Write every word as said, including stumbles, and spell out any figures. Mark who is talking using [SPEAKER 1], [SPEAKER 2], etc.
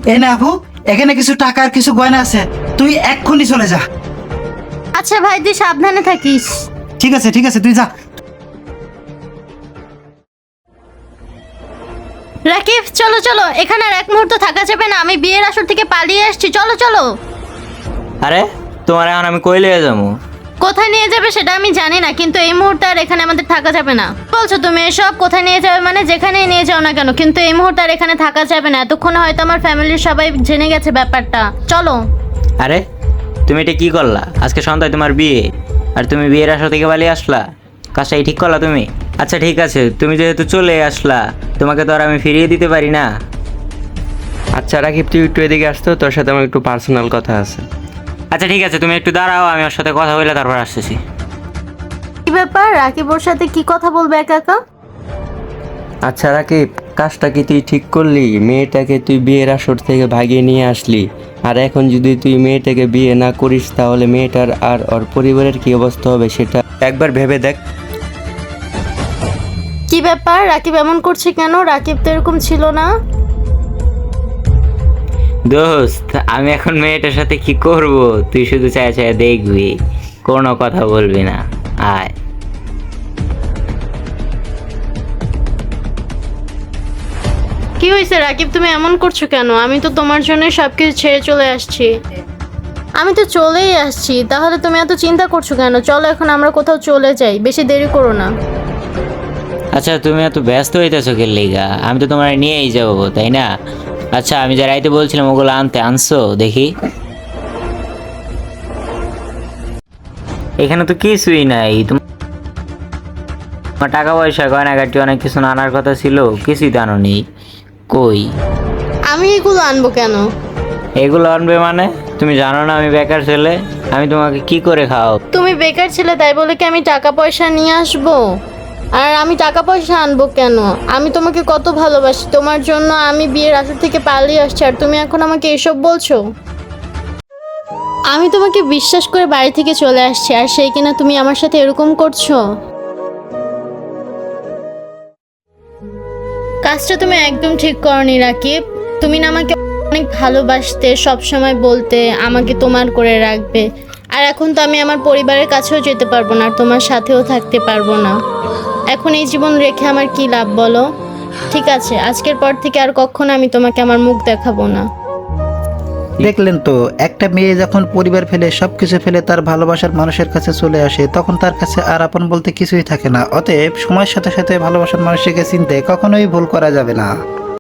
[SPEAKER 1] এই না আপু, এখানে কিছু টাকা আর কিছু গয়না আছে, তুই এক্ষুনি চলে যা।
[SPEAKER 2] আচ্ছা ভাই, তুই সাবধানে থাকিস।
[SPEAKER 1] ঠিক আছে ঠিক আছে, তুই যা।
[SPEAKER 2] রাকিব চলো চলো, এখানে আর এক মুহূর্ত থাকা যাবে না, আমি বিয়ের আসর থেকে পালিয়ে আসছি, চলো চলো।
[SPEAKER 3] আরে তোমার এখন আমি কই লিয়ে যাবো?
[SPEAKER 2] কোথায় নিয়ে যাবে সেটা আমি জানি না, কিন্তু এই মুহূর্তে আর এখানে আমাদের থাকা যাবে না। বলছো তুমি এসব? কোথায় নিয়ে যাবে মানে যেখানেই নিয়ে যাও না কেন, কিন্তু এই মুহূর্তে আর এখানে থাকা যাবে না। এতক্ষণে হয়তো আমার ফ্যামিলির সবাই জেনে গেছে ব্যাপারটা, চলো।
[SPEAKER 3] আরে তুমি এটা কি করলা? আজকে সন্ধ্যায় তোমার বিয়ে, আর তুমি বিয়ের আসর থেকে পালিয়ে আসলা? কাজটা এই ঠিক করলা তুমি? আচ্ছা ঠিক আছে, তুমি যেহেতু চলে আসলা, তোমাকে তো আর আমি ফিরিয়ে দিতে পারি না।
[SPEAKER 4] আচ্ছা রাকিব, তুই একটু এদিকে আসতো, তোর সাথে আমার একটু পার্সোনাল কথা আছে।
[SPEAKER 3] আচ্ছা ঠিক আছে, তুমি একটু দাঁড়াও, আমি ওর সাথে কথা বলে তারপর আসতেছি।
[SPEAKER 2] কি ব্যাপার, রাকিব ওর সাথে কি কথা বলবে একা একা?
[SPEAKER 4] আচ্ছা রাকিব, কাজটা কি তুই ঠিক করলি? মেয়েটাকে তুই বিয়ের আসর থেকে ভাগিয়ে নিয়ে আসলি, আর এখন যদি তুই মেয়েটাকে বিয়ে না করিস তাহলে মেয়েটার আর ওর পরিবারের কি অবস্থা হবে সেটা একবার ভেবে দেখ।
[SPEAKER 2] কি ব্যাপার, রাকিব এমন করছে কেন? রাকিব তো এরকম ছিল না।
[SPEAKER 3] দোস্ত, আমি এখন মেয়েটার সাথে কি করব? তুই শুধু চায় চায় দেখবি, কোনো কথা বলবি না। আয়।
[SPEAKER 2] কি হয়েছে রাকিব, তুমি এমন করছো কেন? আমি তো তোমার জন্য সবকিছু ছেড়ে চলে আসছি। আমি তো চলেই আসছি, তাহলে তুমি এত চিন্তা করছো কেন? চলো এখন আমরা কোথাও চলে যাই, বেশি দেরি করো না।
[SPEAKER 3] আচ্ছা তুমি এত ব্যস্ত হইতেছো কে লিগা? আমি তো তোমার নিয়েই যাবো, তাই না? আচ্ছা আমি যা রাইতে বলছিলাম ওগুলো আনতে আনছো দেখি? এখানে তো কিছুই নাই। তোমার টাকা পয়সা গয়নাগাটি অনেক কিছু আনার কথা ছিল, কিছুই তো আনো নেই। কই?
[SPEAKER 2] আমি এগুলো আনবো কেন?
[SPEAKER 3] এগুলো আনবে মানে? তুমি জানো না আমি বেকার ছেলে, আমি তোমাকে কি করে খাও?
[SPEAKER 2] তুমি বেকার ছেলে তাই বলে কি আমি টাকা পয়সা নিয়ে আসবো? আর আমি টাকা পয়সা আনবো কেন? আমি তোমাকে কত ভালোবাসি, তোমার জন্য আমি বিয়ের আসর থেকে পালিয়ে আসছি, আর তুমি এখন আমাকে এসব বলছো? আমি তোমাকে বিশ্বাস করে বাড়ি থেকে চলে আসছি, আর সেই কিনা তুমি আমার সাথে এরকম করছো? কাজটা তুমি একদম ঠিক করনি রাকিব। তুমি না আমাকে অনেক ভালোবাসতে, সব সময় বলতে আমাকে তোমার করে রাখবে, আর এখন তো আমি আমার পরিবারের কাছেও যেতে পারবো না, আর তোমার সাথেও থাকতে পারবো না। এখন এই জীবন রেখে আমার কি লাভ বলো? ঠিক আছে, আজকের পর থেকে আর কখনো আমি তোমাকে আমার মুখ দেখাবো না।
[SPEAKER 1] দেখলেন তো, একটা মেয়ে যখন পরিবার ফেলে সবকিছু ফেলে তার ভালোবাসার মানুষের কাছে চলে আসে, তখন তার কাছে আর আপন বলতে কিছুই থাকে না। অতএব সময়ের সাথে সাথে ভালোবাসার মানুষকে চিনতে কখনোই ভুল করা যাবে না।